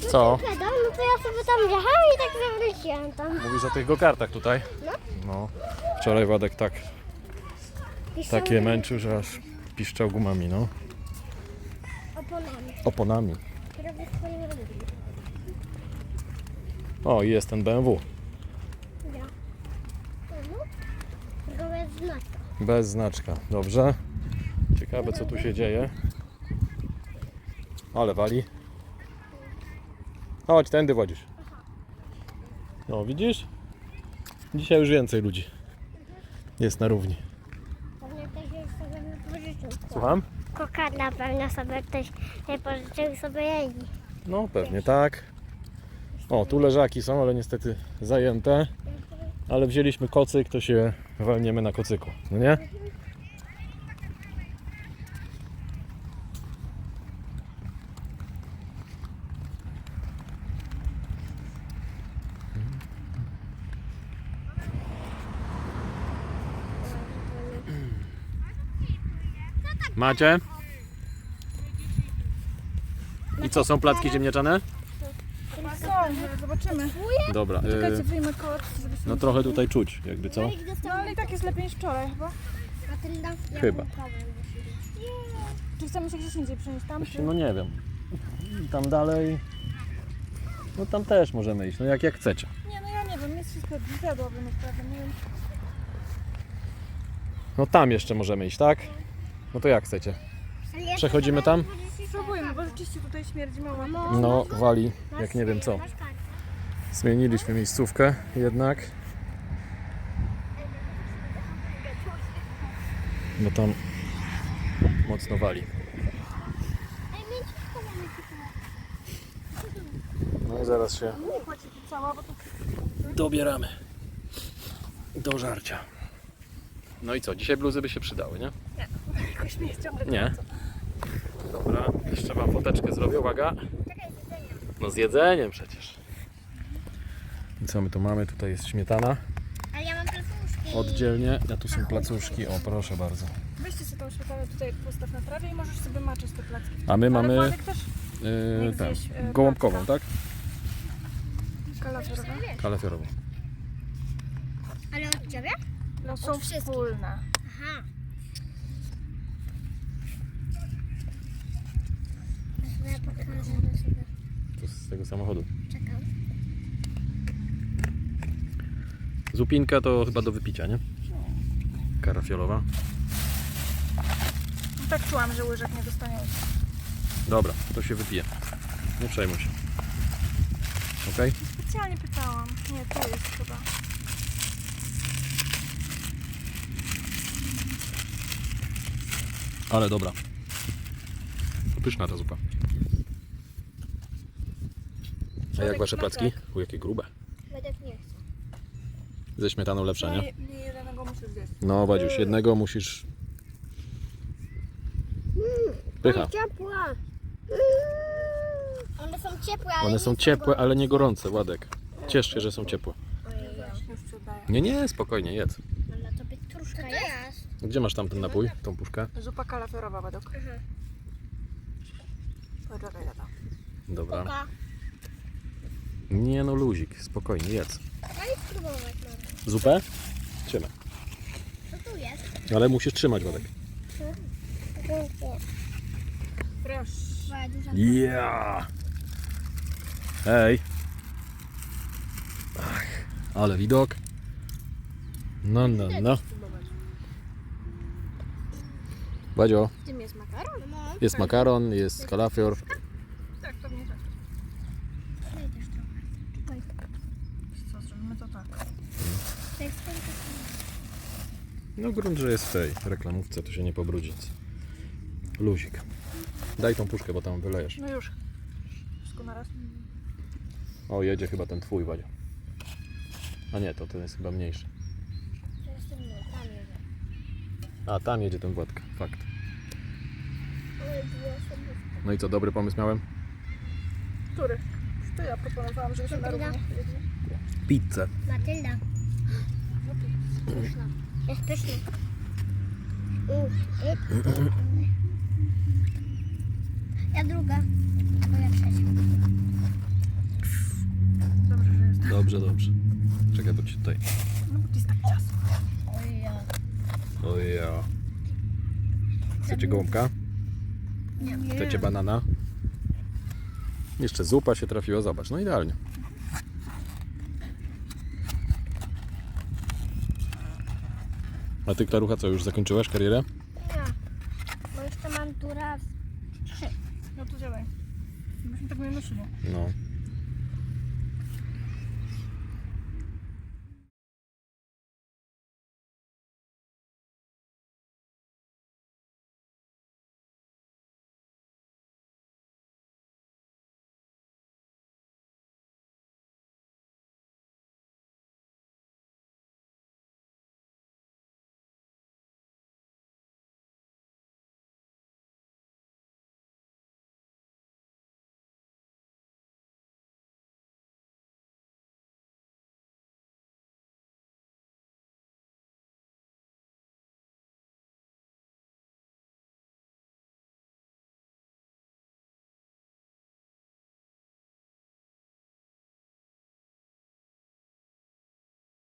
Co? No to ja sobie tam jechałam i tak zawróciłam tam. Mówisz o tych go-kartach tutaj? No. No. Wczoraj Władek takie męczył, że aż piszczał gumami, no. Oponami. Oponami. Robię swoje robię. O, i jest ten BMW. Ja. Tylko bez znaczka. Bez znaczka. Dobrze. Ciekawe, co tu się dzieje. Ale wali. Chodź, tędy wodzisz. No, widzisz? Dzisiaj już więcej ludzi jest na równi. Pewnie ktoś już sobie wypożyczył. Słucham? Kokardla pewnie sobie ktoś wypożyczył i sobie jeździ. No, pewnie tak. O, tu leżaki są, ale niestety zajęte. Ale wzięliśmy kocyk, to się walniemy na kocyku. No nie? Macie? I co, są placki ziemniaczane? Zobaczymy. Dobra. Czekajcie, wyjmę koc, żeby się... No trochę tutaj czuć, jakby co? No ale i tak jest lepiej niż wczoraj chyba. Chyba. Czy chcemy się gdzieś indziej przenieść tam? Czy... No nie wiem. I tam dalej. No tam też możemy iść, no jak chcecie. Nie, no ja nie wiem, jest wszystko zjadłabym naprawdę, nie wiem. No tam jeszcze możemy iść, tak? No to jak chcecie? Przechodzimy tam? Spróbujmy, bo rzeczywiście tutaj śmierdzi mała. No wali, jak nie wiem co. Zmieniliśmy miejscówkę jednak. Bo tam mocno wali. No i zaraz się Cała, bo to... dobieramy do żarcia. No i co? Dzisiaj bluzy by się przydały, nie? Jakoś nie jest ciągle. Nie. Dobra, jeszcze wam foteczkę zrobię, uwaga. No z jedzeniem przecież. I co my tu mamy? Tutaj jest śmietana. Ale ja mam placuszki. Oddzielnie, a tu są placuszki. O, proszę bardzo. Weźcie sobie tą śmietanę tutaj postaw na trawie i możesz sobie maczyć te placki. A my Ale mamy Władek też tę, zjeść, gołąbkową, tak? kalafiorowe. Kalafiorową. Ale od ciebie? No są wszystkich. wspólne. Aha. Ja pokażę do siebie. To z tego samochodu. Czekam. Zupinka to chyba do wypicia, nie? Karafiolowa. No tak czułam, że łyżek nie dostaniemy. Dobra, to się wypije. Nie przejmuj się. Okej? Specjalnie pytałam. Nie, tu jest chyba. Ale dobra. Pyszna ta zupa. A jak wasze placki? U, jakie grube. Wedek nie chcę. Ze śmietaną lepsza, nie? Nie jednego musisz zjeść. No, Wadziuś, jednego musisz... Pycha. Ciepła. One są ciepłe, ale One są ciepłe, ale nie gorące, Władek. Ciesz się, że są ciepłe. Już ci oddaję. Nie, spokojnie, jedz. na tobie truszka jest. Gdzie masz tam ten napój, tą puszkę? Zupa kalafiorowa według. Poczekaj, tata. Dobra. Oka. Nie no, luzik, spokojnie, jedz. Daj spróbować może. Zupę? Trzymaj. Co tu jest? Ale musisz trzymać, Władek. Proszę. Twoja duża Ja. Hej. Ach, ale widok. No. Wadzio, W tym jest makaron? No. jest makaron, jest kalafior. Tak, pewnie tak. Daj też trochę. Czekaj. Co, zrobimy to tak. To jest ten No grunt, że jest w tej reklamówce, to się nie pobrudzi nic. Luzik. Daj tą puszkę, bo tam wylejesz. No już. Wszystko naraz. O, jedzie chyba ten twój, Wadzio. A nie, to ten jest chyba mniejszy. To jest ten mój, tam jest. A, tam jedzie ten Władka, fakt. Ale było sobie. No i co, dobry pomysł miałem? Który? To ja proponowałam, żeby się na równi jedli. Pizzę. Matylda. Pyszna. Jest pyszna. Ja druga. Twoja trzecia. Dobrze, dobrze. Czekaj, bo ci tutaj... No bo to jest tak ciasno. Oj ja. Chcecie gołąbka? Nie. Chcecie banana? Jeszcze zupa się trafiła, zobacz, no idealnie. A ty, Klarucha, co, już zakończyłaś karierę? Nie. Bo jeszcze mam tu raz 3. No to działaj. Byśmy tak nie nosili. No.